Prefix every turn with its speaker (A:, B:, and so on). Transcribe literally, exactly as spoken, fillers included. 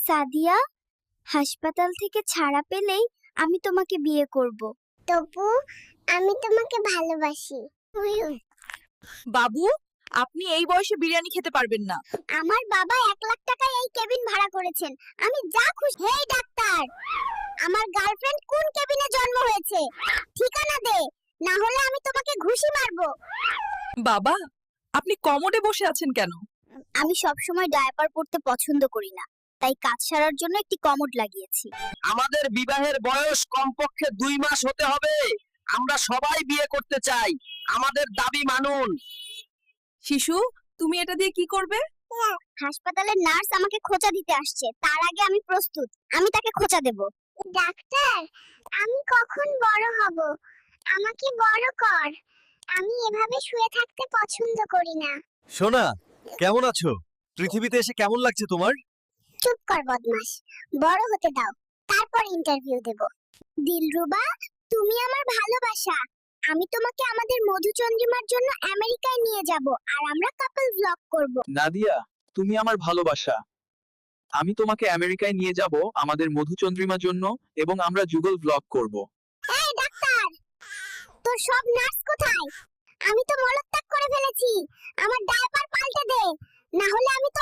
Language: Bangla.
A: সাদিয়া, হাসপাতাল থেকে ছাড়া পেলেই আমি তোমাকে বিয়ে করব।
B: তপু, আমি তোমাকে ভালোবাসি।
C: বাবু, আপনি এই বয়সে বিরিয়ানি খেতে পারবেন না।
B: আমার বাবা এক লাখ টাকায় এই কেবিন ভাড়া করেছেন, আমি যা খুশি। হেই ডাক্তার, আমার গার্লফ্রেন্ড কোন কেবিনে জন্ম হয়েছে? ঠিকানা দে, না হলে আমি তোমাকে ঘুষি মারবো।
C: বাবা, আপনি কমোডে বসে আছেন কেন?
A: আমি সবসময় ডায়াপার পরতে পছন্দ করি না, তাই কাজ সারার জন্য একটি কমোড লাগিয়েছি।
D: আমাদের বিবাহের বয়স কমপক্ষে দুই মাস হতে হবে। আমরা সবাই বিয়ে করতে চাই, আমাদের দাবি মানুন।
C: শিশু, তুমি এটা দিয়ে কি করবে?
A: হাসপাতালের নার্স আমাকে খোঁচা দিতে আসছে, তার আগে আমি প্রস্তুত। আমি তাকে খোঁচা দেব।
B: ডাক্তার, আমি কখন বড় হব? আমাকে বড় কর। আমি এভাবে শুয়ে থাকতে পছন্দ করি না।
E: সোনা, কেমন আছো? পৃথিবীতে এসে কেমন লাগছে তোমার?
B: চুপ কর বদমাশ, বড় হতে দাও, তারপর ইন্টারভিউ দেব। দিলরুবা, তুমি আমার ভালোবাসা। আমি তোমাকে আমাদের মধুচন্দ্রিমার জন্য আমেরিকায় নিয়ে যাব, আর আমরা কাপল ব্লগ করব।
F: নাদিয়া, তুমি আমার ভালোবাসা। আমি তোমাকে আমেরিকায় নিয়ে যাব আমাদের মধুচন্দ্রিমার জন্য, এবং আমরা যুগল ব্লগ করব।
B: এই ডাক্তার, তোর সব নার্স কোথায়? আমি তো মলত্যাগ করে ফেলেছি। আমার ডায়াপার পাল্টে দে, না হলে আমি তো